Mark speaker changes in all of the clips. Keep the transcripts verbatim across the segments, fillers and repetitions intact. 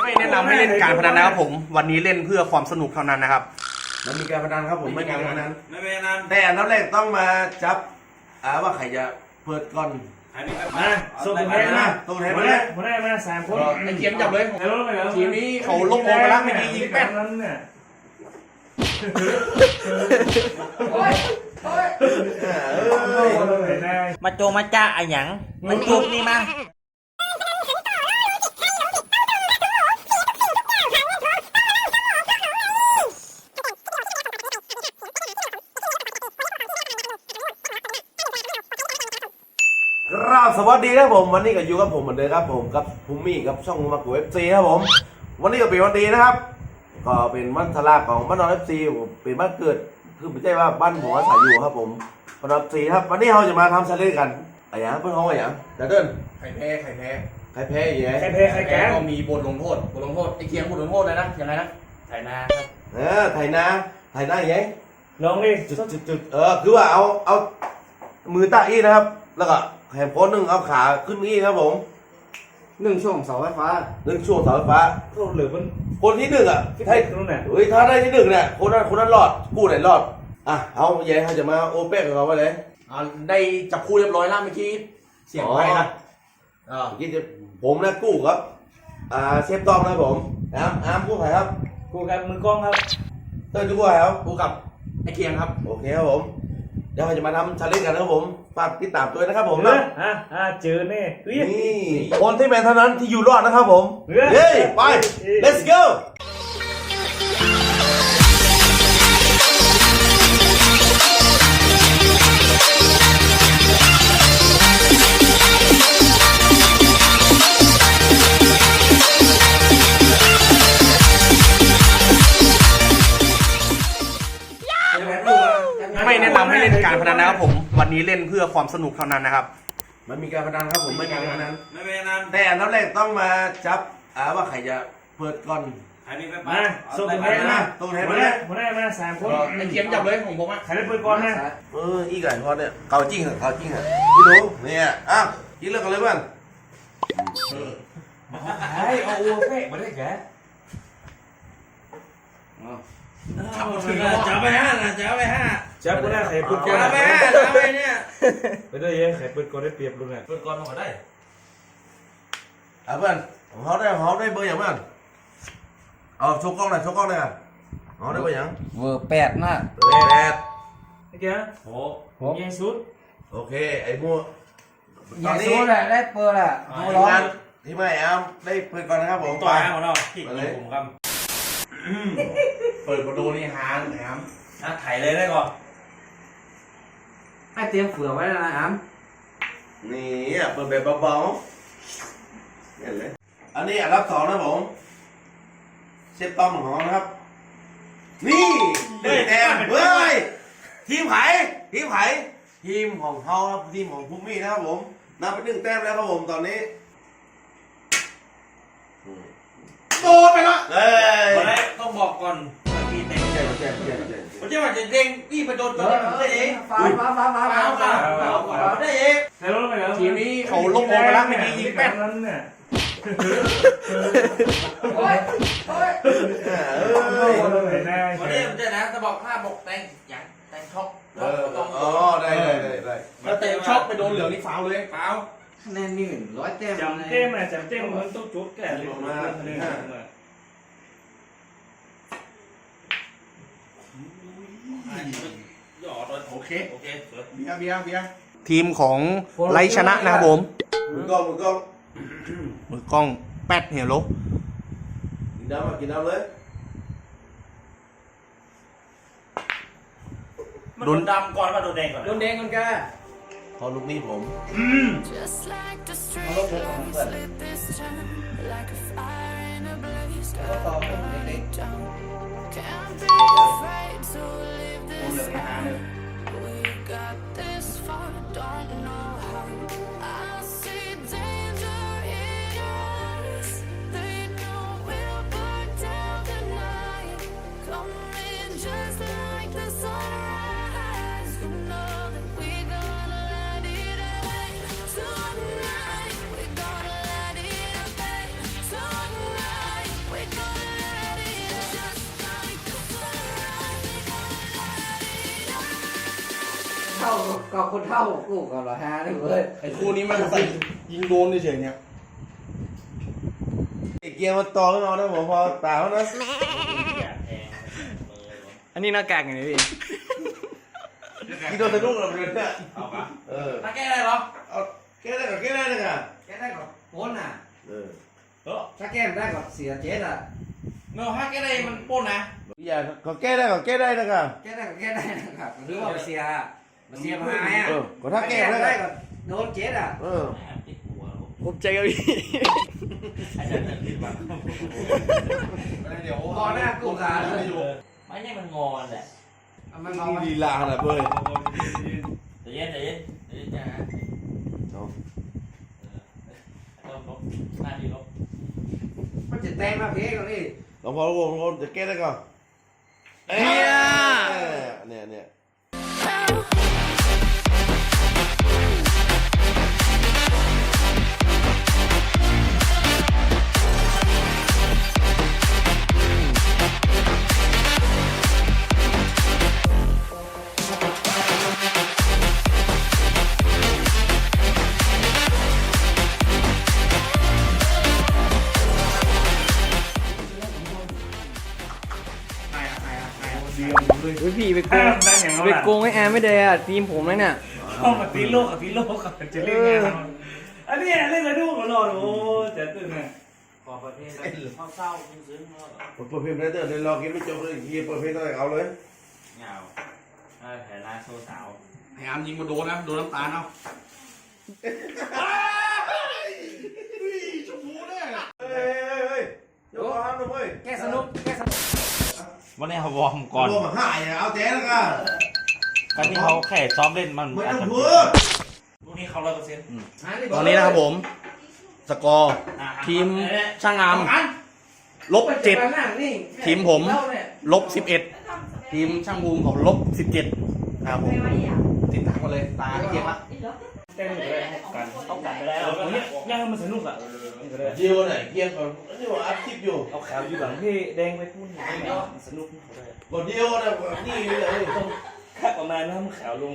Speaker 1: ไม่แนะนำให้เล่นการพนันนะครับผมวันนี้เล่นเพื่อความสนุกเท่านั้นนะครับ
Speaker 2: มันมีการพนันครับผมไม่มีการพนัน
Speaker 3: ไม่เป็นนั้น
Speaker 2: แต่อันดับแรกต้องมาจับอ่าว่าใครจะเปิดก่อน
Speaker 3: มา
Speaker 2: ส่งตัวแทนมาตัวแทนมาเลย
Speaker 3: มาได้มาสามคน
Speaker 1: ไอ้เกียมจับเลยทีมนี้เขาลงโมไปแล้วไม่ดียิงแป๊ด
Speaker 3: นั้นเนี่ย
Speaker 4: มาโจมาจ้าอะหยังมันจุกนี่มา
Speaker 2: ครับสวัสดีครับผมวันนี้ก็อยู่กับผมเหมือนเดิมครับผมกับภูมิกับช่องมากูเอฟซีครับผมวันนี้ก็เป็นวันดีนะครับก็เป็นวันทลาของบ้านนอนเอฟซีเป็นบ้านเกิดคือไม่ใช่ว่าบ้านผมอาศัยอยู่ครับผมบ้านนอนเอฟซีครับวันนี้เราจะมาทำชาเลนจ์กันอะไรอย่างเพื่อนห้องอะไรอย่างจะเดิน
Speaker 1: ใครแพ้ใครแพ้
Speaker 2: ใครแพ้อย่างเงี้ย
Speaker 3: ใครแพ้ใครแพ้
Speaker 1: ก็มีบทลงโทษบทลงโทษไอ้เกียมบทลงโทษเลยนะยังไงนะไถนาครับ
Speaker 2: เออไถนาไถนาอย่างเงี้ย
Speaker 3: ลองดิ
Speaker 2: จุดจุดจุดเออคือว่าเอาเอามือตาอี้นะครับแล้วก็แหมโพสหนึ่งเอาขาขึ้นอี้ครับผม
Speaker 5: หนึ่งช่วงเสาไฟฟ้า
Speaker 2: หนึ่งช่วงเสาไฟฟ้า
Speaker 3: หรือมัน
Speaker 2: คนที่หนึ่งอ่ะให้เฮ้ยถ้าได้ที่หนึ่งเนี่ยคนนั้นคนนั้นรอดกู้ไหนรอดอ่ะเอาแย่เขาจะมาโอเปกกับเราไปเลย
Speaker 1: อ่าได้จับคู่เรียบร้อยแล้วเมื่อกี้เสียงไปนะ
Speaker 2: อ่าเมื่อกี้จะผมนะกู้ครับอ่าเชฟตอมนะผมอามอามกู้ใครครับ
Speaker 3: กูกับมือกล้องครับ
Speaker 2: เต้ยกู้ใครครับ
Speaker 1: กู้กับไอ้เกียงครับ
Speaker 2: โอเคครับผมเดี๋ยวเราจะมาทำชาเลนจ์กันนะครับผมฝากติดตามด้วยนะครับผม
Speaker 3: นะอ่ะอ่ะเจอแน่
Speaker 2: นี่คนที่เป็นเท่านั้นที่อยู่รอดนะครับผมเฮ้ยไป let's go
Speaker 1: ไม่แนะนำให้เล่นการพนันนะครับผมวันนี้เล่นเพื่อความสนุกเท่านั้นนะครับ
Speaker 2: มันมีการพนันครับผมไม่มีการพนัน
Speaker 3: ไม่เป็นนั้น
Speaker 2: แต่อันดับแรกต้องมาจับอ่าว่าใครจะเปิดก่อน
Speaker 3: มาส่งตัวแทนมา
Speaker 2: ตัวแทน
Speaker 3: มา
Speaker 2: มา
Speaker 3: ได้มาได้มาสามคน
Speaker 1: ไอ้เกียมจับเลยของผมอ่ะ
Speaker 3: ใครได้เปิดก่อนนะ
Speaker 2: เอออีกไก่ทอดเนี่ยเกาจริงเหรอเกาจริงเหรอพี่หนูเนี่ยอ้าวกินเลิกกันเลยเพื่อน
Speaker 3: ไอ้เอาอ้วกแค่มาได้แก
Speaker 1: จับถึง
Speaker 3: จับไปห้านะจับไปห้าจับกูได้ไข่ปืนก่อนจับไปห้าจับไปเนี่ยไปได้ยังไข่ปืนก่อนได้เปรียบลุงไงปืนก่อนมาได้
Speaker 2: อ่ะเพื่อนของเขาได้ของเขาได้เบอร์อย่างเพื่อนเอาโชว์กล้องหน่อยโชว์กล้องหน่อยอ่ะเขาได้เบอร์อย่าง
Speaker 4: เวอร์แปดนะ
Speaker 2: เบอร์แปด
Speaker 3: ไอ้แกโหโหยังสุด
Speaker 2: โอเคไอ้มัว
Speaker 4: ตอนนี้แหละได้เปิดแหละ
Speaker 2: เอาร้อนที่ไม่เอาได้เปิดก่อนนะครับผม
Speaker 3: ต่อยของเราที่ผมครับ
Speaker 1: เปิดประตูนี่หางแหม
Speaker 3: อ่ะถ่ายเลยได้ก่อน
Speaker 4: ให้เตรียมเฟือไว้แล้วนะอ้
Speaker 2: ำนี่เปิดแบบเบาๆเนี่ยเลยอันนี้อันดับสองนะผมเชฟต้อมของเรานะครับนี่ได้แต้มเฮ้ยทีมไผ่ทีมไผ่ทีมของเขาครับทีมของภูมินะครับผมนับไปหนึ่งแต้มแล้วครับผมตอนนี้
Speaker 1: โดนไปละ
Speaker 2: เฮ้ย
Speaker 3: ต้องบอกก่อนมีเต็ง
Speaker 2: เจ๊เจ๊เจ๊เจ๊
Speaker 3: ผมจะว่าจะเด้งนี่มาโดนตัวได้เอง
Speaker 4: ฟ้าฟ้าฟ้าฟ้าฟ้าฟ้า
Speaker 3: ฟ้าได้เอง
Speaker 1: ทีมนี้เขาลงโมไปแล้วไม่ดียิงแป๊ด
Speaker 3: นั้นเนี่ย
Speaker 4: โอ้ยโอ้ย
Speaker 3: วันนี้ผมจะนะจะบอกภาพบอกแตงอย่างแตงช็อก
Speaker 2: อ๋อได้ได้ได้ได้
Speaker 1: ถ้าเตะช็อกไปโดนเหลืองนี่ฟาวเลย
Speaker 3: ฟาว
Speaker 4: คะแนนมีหนึ่งร้อยแต้ม
Speaker 3: จำเต้มอ่ะจำเต้มมันต้องจุดแก่เลยมาโอเคโอเค
Speaker 1: เบียร์เบียร์เบียร์ทีมของไลชนะนะครับผม
Speaker 2: มือกล้องมือกล้อง
Speaker 1: มือกล้องแป๊ดเหี่ยวลบ
Speaker 2: กินน้ำมากินน้ำเลย
Speaker 3: โดนดำก่อนว่าโดนแดงก่อน
Speaker 4: โดนแดงก่อนแก
Speaker 2: พอลูกนี้ผม
Speaker 4: เอาลูกผมของเพื่อนก็ต่อผมเด็กๆผมเหลือไม่หาเลย
Speaker 5: ท่าก็คนเท่ากูกับร้อยห้าเลยเว้ย
Speaker 3: ไอ้คู่นี้มันใส่ยิงโดนเฉยๆเนี่ย
Speaker 2: ไอ้เกียร์มันต่อขึ้นมานะผมพอตาเขานะ
Speaker 6: อันนี้หน้ากากไงพี่
Speaker 2: กินโดนสะดุ้งเราเลยเนี่ย
Speaker 1: เอาปะ
Speaker 2: เออ
Speaker 1: ถ้าแก้ได้เหรอ
Speaker 2: เอาแก้ได้กับแก้ได้เลยอ่ะ
Speaker 5: แกได้กับโป้นอ่ะ
Speaker 2: เออ
Speaker 1: เออ
Speaker 5: ถ้าแกได้กับเสียเจ็ดอ่ะ
Speaker 1: เนาะถ้าแก้ได้มันปล้นนะ
Speaker 2: อย่าเขาแก้ได้กับแก้ได้นะครับ
Speaker 5: แกได้กับแกได้นะครับหรือว่าเสียเสียมาหายอ่ะ
Speaker 2: เออก็ถ้าแก้ได้
Speaker 5: ได้
Speaker 2: กั
Speaker 5: กับโดนเจ็ดอ่ะ
Speaker 2: เออ
Speaker 6: ผมใจกับพี่
Speaker 1: เดี๋ยว
Speaker 5: พอหน้ากูขาเลย
Speaker 1: ไม่ใช่มันงอนแหละ
Speaker 5: มันเมา
Speaker 2: ลีลาขนาดเว้ย
Speaker 1: ใจเย็นใจเย็นใจเย็นจ้า
Speaker 2: เอา
Speaker 1: เออลบหน้าดีลบ
Speaker 5: มันจะแตงมาเพกเลย
Speaker 2: ลองพอรู้ผมจะแก้ได้ก่อนเอ้ยเนี่ยเนี่ย
Speaker 6: อุ้ยพี่ไปโกงไปโกงให้แอร์ไม่ได้อะทีมผมเลยเนี่ย
Speaker 3: เข้ามาตีโลกกับตีโลกกับจะเล่นงานอันนี้เล่นกันดูกันรอโอ้เจ๋งตื่นเลย
Speaker 1: ขอประเภทเข้าเศร้าซึ้งๆแล้ว
Speaker 2: ผมเปิดเพลงได้เดี๋ยวรอกินไม่จบเลยเฮียเปิดเพลงตั้งแต่เอาเลย
Speaker 1: เหงาแผลลายโซ่สาว
Speaker 3: พยายามยิงมาโดนนะโดนน้ำตาลเอา
Speaker 2: ชมพูเนี่ยเฮ้ยเฮ้ยเฮ้ยเดี๋ยวก่อนนะเว้ย
Speaker 5: แกสนุกแกสนุก
Speaker 1: วันนี้เขาวอร์มก่อน
Speaker 2: รวมหายเอาแจ๊แล้วกัน
Speaker 1: การที่เขาแค่ซ้อมเล่นมัน
Speaker 2: ไม่
Speaker 1: อาจ
Speaker 2: ต้อง
Speaker 1: จะ
Speaker 2: พูด
Speaker 1: ลูกนี้เขาร้อยเปอร์เซ็นต์
Speaker 6: ตอนนี้นะครับผม สกอร์ ทีมช่างงามลบเจ็ดทีมผมลบสิบเอ็ดทีมช่างภูมิของลบสิบเจ็ดครับผมติดตามกันเลยตาเกียร์ละ
Speaker 3: เต้นเลยกันเอากันไปแล้วเนี่ยย่างมันสนุกอ่ะ
Speaker 2: เดียวไหนเกียร์ก่อนนี่ว่าอัดคลิปอยู่
Speaker 3: เอาขาวอยู่หลังพี่แดงไปพุ่นสนุก
Speaker 2: ก่อนเดียวนะนี่เลย
Speaker 3: ค่าประมาณน้ำขาวลง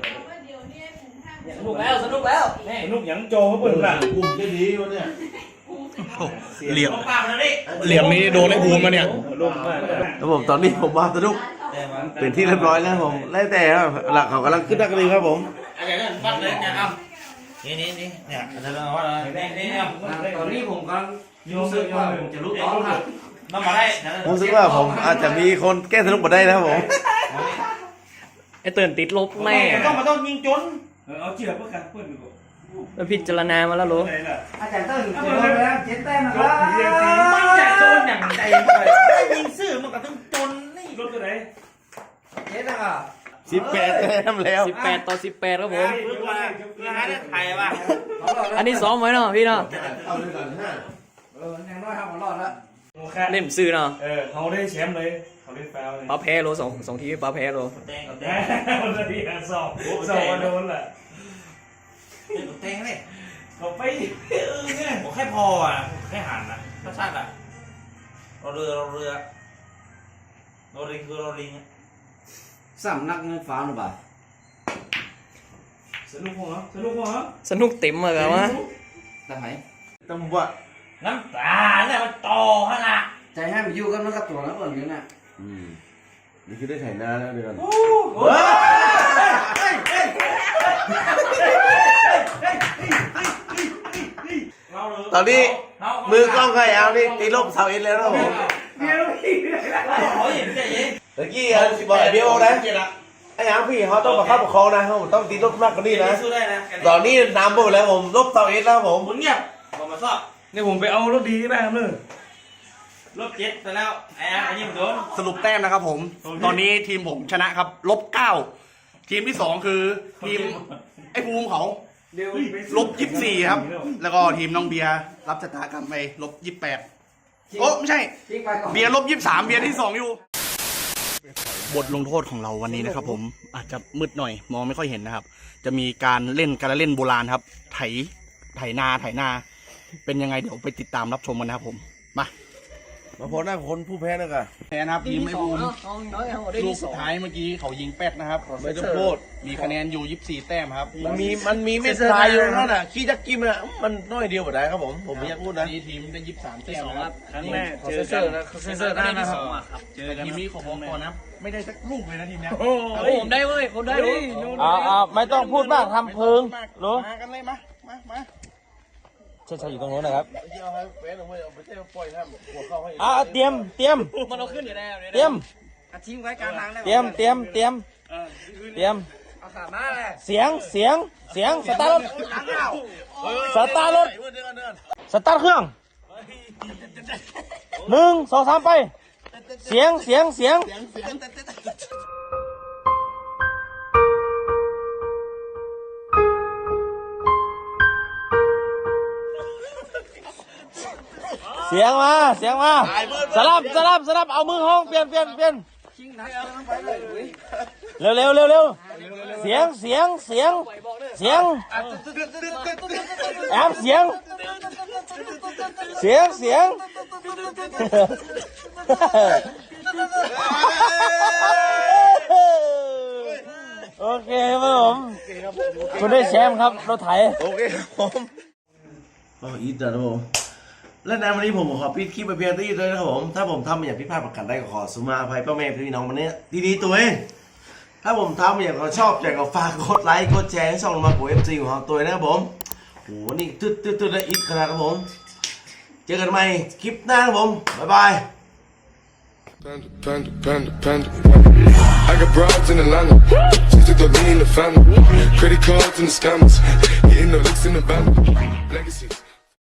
Speaker 1: สนุกแล้วสนุกแล้วนี่
Speaker 3: สนุกยังโจเขาเปิดละ
Speaker 2: กลุ่มได้ดีวะเนี่ย
Speaker 6: เหลี่ยม
Speaker 1: ต้องปากมันดิ
Speaker 6: เหลี่ยมนี้โดนไอ้ภูมิมาเนี่ย
Speaker 3: ลงมาก
Speaker 2: แล้วผมตอนนี้ผมมาสนุกเป็นที่เรียบร้อยแล้วผมแล้วแต่ครับหลักเขากำลังขึ้นนักเรียนครับผม
Speaker 1: อะไรนั่นปัดเลยเนี่ยเอานี่นี่นี่เนี่ยอาจจะเรียกว่าอะไรนี่นี่เนี่ย
Speaker 5: ตอนนี้ผมกำลังรู้สึกว่าผมจะลุกร้อนครับ
Speaker 1: น้ำมาได้
Speaker 2: ผมรู้สึกว่าผมอาจจะมีคนแก้สนุกมาได้นะครับผม
Speaker 6: ไอ้เตือนติดลบแน่
Speaker 1: ต้องมาต้องยิงจน
Speaker 3: เอาเชือกเพื่อกันเพื่อนดีกว่า
Speaker 6: แล้วพิจารณามาแล้วเหรอ
Speaker 3: อะไรล่ะ
Speaker 5: อาจารย์เติ้ลจะโดนแล้วเจ็ดแต้มนะค
Speaker 3: ร
Speaker 5: รั
Speaker 3: ถเรียงตี
Speaker 5: บ
Speaker 1: มันจะโดนอย่างใจเลยได้ยิงซื่อมันก็ต้องจนนี่
Speaker 3: รถตัวไหน
Speaker 5: เจ็ดนะครับ
Speaker 2: สิบแปดแต้มแล้ว
Speaker 6: สิบแปดต่อสิบแปดครับผม
Speaker 1: เพื่อมาเพื่อหาได้ไทยว่ะ
Speaker 6: อันนี้ซ้อมไว้เนาะพี่เนาะ
Speaker 2: เอาเลยก่อนฮะ
Speaker 5: เออยังน้อยครับผมรอดแล้ว
Speaker 3: โมคะ
Speaker 6: เล่มซื้อเนาะ
Speaker 3: เออเขาได้แชมป์เลยเขาได้แฟลเลย
Speaker 6: ป้าแพ้โลสองสองทีป้าแพ้โล
Speaker 1: แตงกับแต
Speaker 3: แห
Speaker 1: ง
Speaker 3: มวันนี้สอบสอบมาโดนแหละ
Speaker 1: แตงกับแตงเลย
Speaker 3: เขาไปเออไง
Speaker 1: ผมแค่พออ่ะแค่หันนะถ้าชาติอ่ะเราเรือเราเรือเราลิงคือเราลิง
Speaker 5: สำนักเงินฟ้าหรือเปล่า
Speaker 3: สนุกเหรอสนุกเหรอ
Speaker 6: สนุกเต็มเลยครับวะ
Speaker 5: แต่ไหม
Speaker 2: ต้องว่า
Speaker 1: น้ำตาเนี่ยมันโตขนาด
Speaker 5: ใจให้มันอยู่กันมันกับตัวแล้วเปิดอยู่น่ะ
Speaker 2: อืมนี่คือได้ไถนาแล้วเดี๋ยวก่อน ตอนนี้มือกล้องใครเอานี่ตีลบเสาเอ็นแล้วนะผม
Speaker 1: เขาเห็นใจเย็น
Speaker 2: ตะกี้เอาบอกไอ้เบี้ยวนะไอ้หางพี่เขาต้องประคับประคองนะผมต้องตีลบมากกว่านี้นะ
Speaker 1: สู้ได้นะ
Speaker 2: ตอนนี้นำไปหมดแล้วผมลบเสาเอ็นแล้วผม
Speaker 1: มึงเงียบบอกมาชอบ
Speaker 3: นี่ผมไปเอารถดีบ้างเลย
Speaker 1: ลบเจ็ดไปแล้วไอ้ไอ้ยิงโดน
Speaker 6: สรุปแต้มนะครับผม ตอนนี้ทีมผมชนะครับลบเก้าทีมที่สองคือทีมไอ้ภูมิเขาลบยี่สิบสี่ครับ แล้วก็ทีมน้องเบียร์รับชะตากรรมไปลบยี่สิบแปดโอ้ไม่ใช่
Speaker 5: ทิ้งไปก่อน
Speaker 6: เบียร์ลบยี่สิบสามเบียร์ที่สองอยู่ บทลงโทษของเราวันนี้นะครับผมอาจจะมืดหน่อยมองไม่ค่อยเห็นนะครับ จะมีการเล่นการเล่นโบราณครับ ไถไถนาไถนา เป็นยังไงเดี๋ยวไปติดตามรับชมกันนะครับผมมา
Speaker 2: มาพอหน้าคนผู้แพ้นะกะ
Speaker 6: แพ้นะครับทีมไม่บูมลูกสุดท้ายเมื่อกี้เขายิงแป๊กนะครับ
Speaker 2: ไม่ต้องพูด
Speaker 6: มีคะแนนอยู่ยี่สิบสี่แต้มครับ
Speaker 2: มันมีมันมีเม็ดทรายอยู่นั่นน่ะขี้จักกิมน่ะมันน้อยเดียวบ่ได้ครับผมผมไม่อยากพูดนะ
Speaker 6: นี่ทีมได้ยี่สิบสามแต้มนะครับ
Speaker 3: ครั้งแรกเจอกันเซอร์หน้านะครับ
Speaker 6: เจอกันทีมนี้ของผมก่อนนะไม่ได้สักลูกเลยนะทีมเนี้ย
Speaker 3: โอ้ผมได้เว้ยผมได้เว้ย
Speaker 1: อ่าอ่าไม่ต้องพูดมากทำเพิงรู้
Speaker 6: มากันเลยมามามา
Speaker 1: ใช่ใช่อยู่ตรงนู้นนะครับ
Speaker 2: เดี๋ยวให้แฟนเอาไว้เอาไปเต้นปล่อยให้หัวเข้าให้
Speaker 1: อ่าเตรียมเตรียม
Speaker 3: มันเอาขึ้นอยู่แล้ว
Speaker 1: เตรียม
Speaker 5: อาทีมไว้กลางทางได้
Speaker 1: เตรียมเตรียมเตรียมเตรียม
Speaker 5: เอาขามาเลย
Speaker 1: เสียงเสียงเสียงสตาร์ทรถสตาร์ทรถสตาร์ทเครื่องหนึ่งสองสามไป เสียงเสียงเสียงเสียงมาเสียงมาสลับสลับสลับเอามือห้องเปลี่ยนเปลี่ยนเปลี่ยนเร็วเร็วเร็วเร็วเสียงเสียงเสียงเสียงแอบเสียงเสียงเสียงโอเคครับผมคุณได้แชมป์ครับรถไถ
Speaker 2: โอเคครับผมก็อีทนะครับผมและในวันนี้ผมขอปิดคลิปไปเพียงเท่านี้เลยนะครับผมถ้าผมทำอย่างผิดพลาดประการใดก็ขอสุมาอภัยพ่อแม่พี่น้องวันนี้ดีๆตัวเองถ้าผมทำอย่างเขาชอบอยากก็ฝากกดไลค์กดแชร์ให้ช่องมาโกเอฟซีของเราตัวนะครับผมโหนี่ตึ๊ดตึ๊ดตึ๊ดและอีทขนาดครับผมเจอกันใหม่คลิปหน้าครับผมบ๊ายบาย
Speaker 7: Panda, panda, panda, panda. I got broads in Atlanta. Just to throw me in the family. Credit cards and the scammers. Getting the licks in the van. Legacies.